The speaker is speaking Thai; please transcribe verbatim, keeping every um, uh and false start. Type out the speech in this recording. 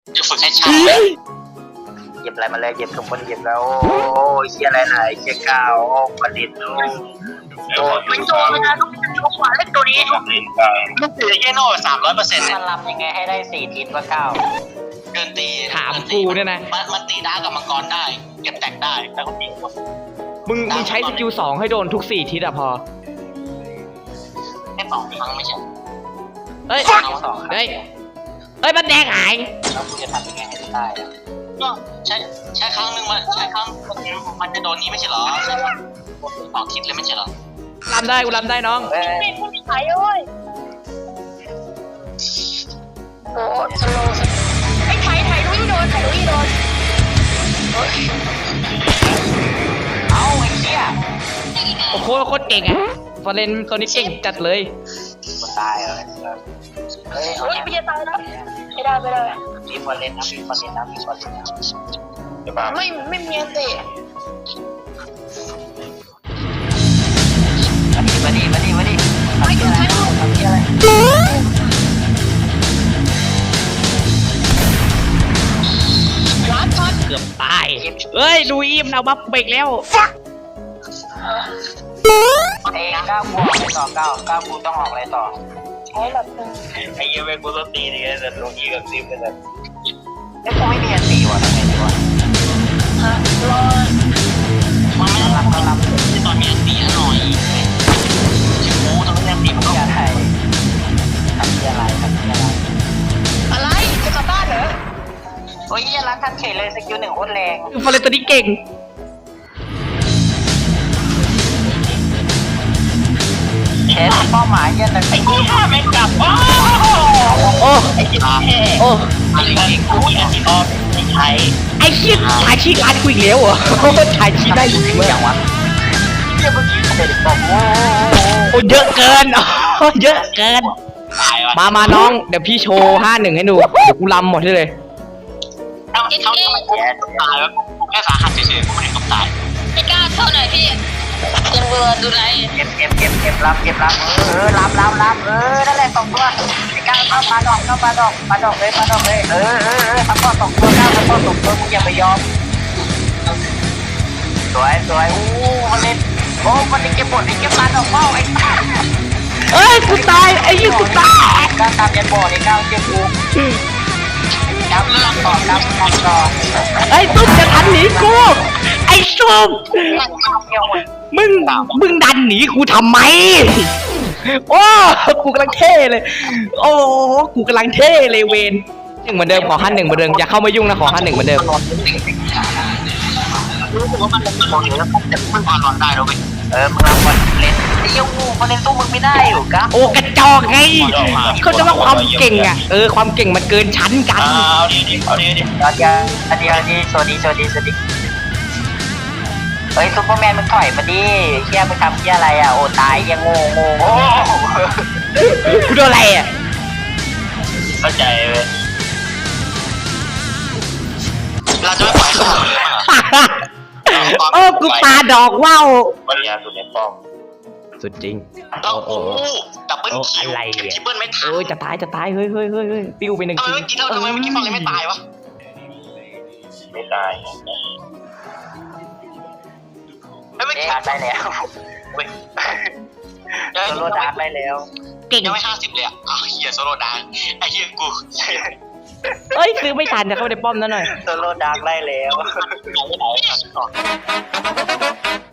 จะฝึกให้ชาหยิบอะไรมาเลยหยิบทุกคนหยิบแล้วโอ้ยเชี่ยอะไรไหนเชี่ยก้าวโอ้ประดิษฐ์โอ้โดนเป็นโจรนะลูกลูกหวานเล็กตัวนี้ลูกเสือเยโน่สามร้อยเปอร์เซ็นต์มันรำยังไงให้ได้สี่ทิศวะก้าวเดินตีถามกูเนี่ยนะมันมันตีได้กับมังกรได้เก็บแตกได้แล้วก็ตีมึงมึงใช้สกิลสองให้โดนทุกสี่ทิศอะพอแค่สองครั้งไม่ใช่เอ้ยเฮ้ยเอ้ยมันแดงหายแล้วกูจะทำยังไงให้ได้ก็ใช้ใช้ครั้งหนึ่งมันใช้ครั้งมันจะโดนนี้ไม่ใช่หรอใช่ไหมออกทิศเลยไม่ใช่หรอรำได้กูรำได้น้องไม่พูดไม่ขายเลยโอ้สโลว์ไอ้ไถ่ไถ่ลุยโดนไถ่ลุยโดนเอาไอ้เชี่ยโอ้โหโคตรเก่งอะฟอร์เรนตัวนี้เก่งจัดเลยมันตายเลยเฮ้ยเฮ้ยไม่จะตายนะไม่ได้ไม่ได้มีฟอร์เรนนะมีฟอร์เรนนะมีฟอร์เรนนะไม่ไม่มีอันตีมาดิมาดิมาดิมาดิทำอะไรทำอะไรร้านทอดเกือบตายเฮ้ยดูอิมเอาบัฟเบรกแล้วเอ้ก้าวกูออกอะไรต่อก้าวก้าวกูต้องออกอะไรต่อใช้แบบนึงไอ้ยังไม่กูต้องตีนี่แต่ลงอีกับซิมเป็นแบบไอ้กูไม่มีอันตีวะทำไงดีวะฮะรอมันไม่รับก็รับตอนมีอันตีหน่อยชิบูตอนนี้อันตีมันก็จะไทยทำอะไรทำอะไรอะไรจะกลับบ้านเหรอโอ้ยยันรักทันเฉยเลยสกิลหนึ่งโคตรแรงฟอร์เรนตัวนี้เก่งเชฟเป้าหมายยันไอ้กูฆ่าไม่กลับโอ้โอ้ไอ้จิ๊บโอ้อะไรกันกูอยากที่ออกไม่ใช่ไอ้ชิดถ่ายชีร้านกูอีกแล้วเหรอถ่ายชีได้อยู่เมื่อไหร่วะเมื่อกี้เด็กบอกโอ้โอ้เยอะเกินเยอะเกินมามาน้องเดี๋ยวพี่โชว์ห้าหนึ่งให้ดูเดี๋ยวกูรำหมดเลยเขาเขาทำไมแย่ตายแล้วแค่สาหัสเฉยๆกูไม่ได้ต้องตายไม่กล้าเท่าไหร่พี่ยังเบื่อดูไรเก็บเก็บเก็บเก็บรับเก็บรับเออรับรับรับเออนั่นแหละสองตัวไอ้ก้าวเข้ามาดอกเข้ามาดอกมาดอกเลยมาดอกเลยเออเออเออทำก้อนสองตัวก้าวทำก้อนสองตัวมึงอย่าไปยอมสวยสวยอู้มันเล่นโอ้มันเก็บหมดไอ้เก็บมาดอกเป้าไอ้เอ้ยกูตายไอ้ยี่กูตายก้าวตามยันบ่อไอ้ก้าวเก็บกูก้าวรับต่อก้าวรับต่อไอ้ตุ๊กจะทันหนีกูไอ้ซุปมึงมึงดันหนีกูทำไมโอ้กูกำลังเท่เลยโอ้กูกำลังเท่เลยเวนหนึ่งเหมือนเดิมขอขั้นหนึ่งเหมือนเดิมอย่าเข้ามายุ่งนะขอขั้นหนึ่งเหมือนเดิมรู้สึกว่ามันเป็นคนอยู่แล้วแต่มันพอรอนได้แล้วเว้ยเออมึงรับคนเล่นไอ้ยูคนเล่นตู้มึงไม่ได้อยู่กะโอ้กระจอกไงเขาจะว่าความเก่งอ่ะเออความเก่งมันเกินชั้นกันเอาดีดิเอาดีดิเอาดีเอาดีเอาดีสวัสดีสวัสดีสวัสดีเฮ้ยซุปเปอร์แมนมึงถอยมาดิเชี่ยมึงทำเชี่ยอะไรอ่ะโอ้ตายยังโง่โง่โอ้กูโดนอะไรอ่ะเข้าใจเลยเราจะไม่ปล่อยเขาเลยโอ้กูปาดอกว่าววันนี้สุดในป้อมสุดจริงโอ้โหดับเบิลคิวอะไรอ่ะคิปเปิลไม่ทันเอ้ยจะตายจะตายเฮ้ยเฮ้ยเฮ้ยเฮ้ยปิ้วไปหนึ่งทีเมื่อกี้เราทำไมเมื่อกี้ฟังเลยไม่ตายวะไม่ตายไม่ตายได้แล้วเว้ยโซโล่ดาร์กได้แล้วเก่งยังไม่ห้าสิบเลยอ่ะเฮียโซโล่ดาร์กไอ้เฮียกูเอ้ยซื้อไม่ทันจะเข้าในป้อมนั่นหน่อยโซโล่ดาร์กได้แล้ว